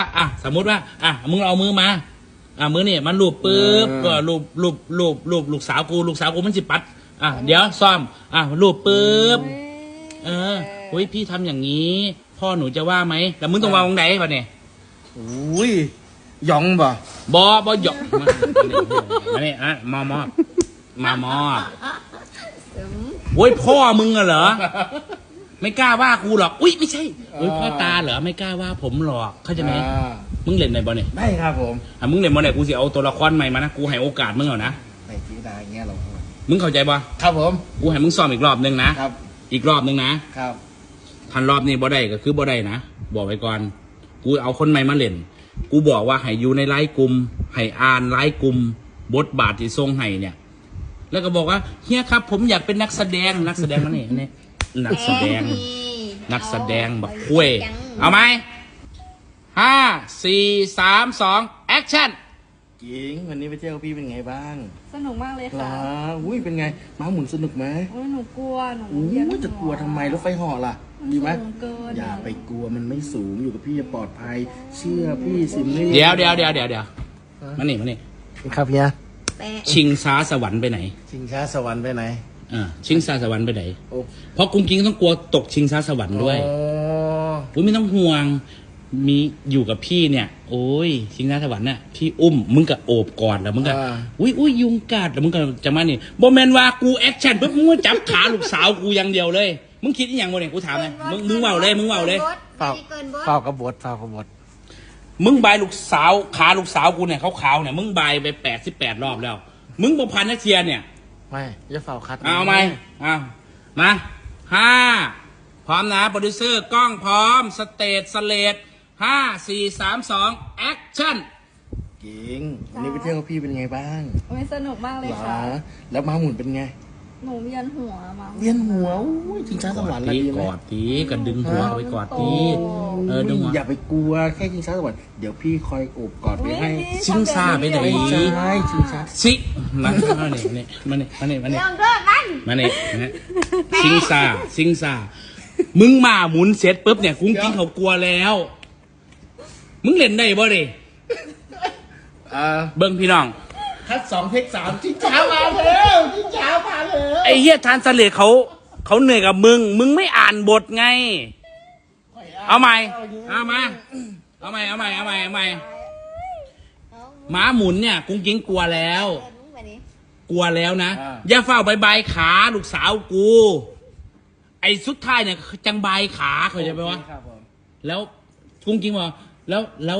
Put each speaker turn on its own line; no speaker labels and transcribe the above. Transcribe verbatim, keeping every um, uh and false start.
อ่ะสมมุติว่าอ่ะมึงเอามือมาอ่ะมือนี่มันลูบปุ๊บก็ลูบลูบลูบลูบลูกสาวกูลูกสาวกูมันสิปัดอ่ะเดี๋ยวซ่อมอ่ะลูบปุ๊บเออเฮ้ยพี่ทำอย่างนี้ พ่อหนูจะว่าไหมแล้วมึงต้องวางตรงไหนป่ะเนี่ย
อุ้ยยองบ่
บอบอหยอกมามาเนี่ยอ่ะมอมอมามอโว้ยพ่อมึงอะเหรอไม่กล้าว่ากูหรอกอุ้ยไม่ใช่โอ้ยพ่อตาเหรอไม่กล้าว่าผมหรอกเข้าใจไหมมึงเล่นในบอลเนี่ย
ได้ครับผม
อ่ะมึงเล่นบอลเนี่ยกูสิเอาตัวละครใหม่มานะกูให้โอกาสมึงเอานะ
ในจีดาอย่างเงี้ยเรา
มึงเข้าใจปะ
ครับผม
กูให้มึงซ้อมอีกรอบนึงนะครับ อีกรอบนึงนะครับ ทันรอบนี้บ่ได้ก็คือบ่ได้นะบอกไว้ก่อนกูเอาคนใหม่มาเล่นกูบอกว่าให้อยู่ในไลฟ์กลุ่มให้อ่านไลฟ์กลุ่มบทบาทที่ทรงให้เนี่ยแล้วก็บอกว่าเฮียครับผมอยากเป็นนักแสดงนักแสดงนั่นเองนี่นักแสดงนักแสดงบักคุยเอาไหมห้าสี่สามสองแอคชั่น
หญิงวันนี้ไปเที่ยวกับพี่เป็นไงบ้าง
สนุกมากเลย
เหร
ค่ะ
ออุ้ยเป็นไงม้าหมุนสนุกไหม
โอ้ยหนูกลัวหนู
อู้
เวียนหั
จะกลัวทำไมรถไฟเหาะล่ะ
มัน
ดีไหม
สูงเกิน
อย่าไปกลัวมันไม่สูงอยู่กับพี่จะปลอดภัย เชื่อพี่สินี่
เดี๋ยวเดี๋ยวเดี๋ยวเดี๋ยวเดี๋ยวมานี่มานี่
ครับเฮีย
แปะ
ชิงช้าสวรรค์ไปไหน
ชิงช้าสวรรค์ไปไหน
อ่าชิงช้าสวรรค์ไปไหน
โอ้
เพราะกุ้งกิ้งต้องกลัวตกชิงช้าสวรรค์ด้วย
อ๋อ
อุ้ยไม่ต้องห่วงมีอยู่กับพี่เนี่ย โอ้ยชิงช้าสวรรค์น่ะพี่อุ้มมึงก็โอบกอดแล้วมึงก็อุ้ยอุ้ยยุงกัดแล้วมึงก็จะมานี่โบแมนว่ากูแอคชั่นปุ๊บมึงก็จับขาลูกสาวกูอย่างเดียวเลยมึงคิดอหย่างวะเนี่ยกูถามเลยมึงมึงเว่าเลยมึงเว่าเลย
เฝ้าเฝ้ากระบดเฝ้ากระบด
มึงบายลูกสาวขาลูกสาวกูเนี่ยขาวๆเนี่ยมึงบายไปแปดสิบแปดรอบแล้ว มึงบ่พันนักเทียเนี่ย
ไม่จะเฝ้าคัด
เอาไหมเอามาห้าพร้อมนะโปรดิวเซอร์กล้องพร้อมสเตจสเลดห้าสี่สามสองแอคชั่น
หญิงวันนี้ไปเที่ยวกับพี่เป็นไงบ้าง
โอ้ยสนุกมากเลย
เหรอ
ค่ะ
แล้วม้าหมุนเป็นไง
หนูเวียนหัวมา
เวียนหัวอุ้ยชิงช้าสวรรค์
ตี
แล้วดีไห
ก
ม
อดตีกันดึงหัวเอาไปกอดตีเออดึงหัว
อย่าไปกลัวแค่ชิงช้าสวรรค์เดี๋ยวพี่คอยโอบกอดไว้ให้
ชิงซ่าไปไหน
ไม่ใช่ชิงช้า
สิมามาเนี่ยมาเนี่ยมาเนี่ยมาเนี่ย
ลองเลิกมัน
มาเนี่ยนะชิงซาชิงซามึงมาหมุนเสร็จปุ๊บเนี่ยกุ้งกิ้งเขากลัวแล้ว มึงเล่นได้บ่ดิ
อ่า
เบิ้งพี่น้อง
คัดสองเทคสามชิงช้ามาแล้วชิงช้ามาแล้ว
ไอ้เฮียทานสเลดเขาเขาเหนื่อยกับมึง มึงไม่อ่านบทไง เอาใหม่เอามาเอาใหม่เอาใหม่เอาใหม่เอาใหม่หมาหมุนเนี่ยกุ้งกิ้งกลัวแล้ว กลัวแล้วนะอย่าเฝ้าใบใบขาลูกสาวกู ไอ้สุดท้ายเนี่ยจังใบขาเขาใจไหมวะ
ครับผม
แล้วกุ้งกิ้งบอกแล้วแล้ว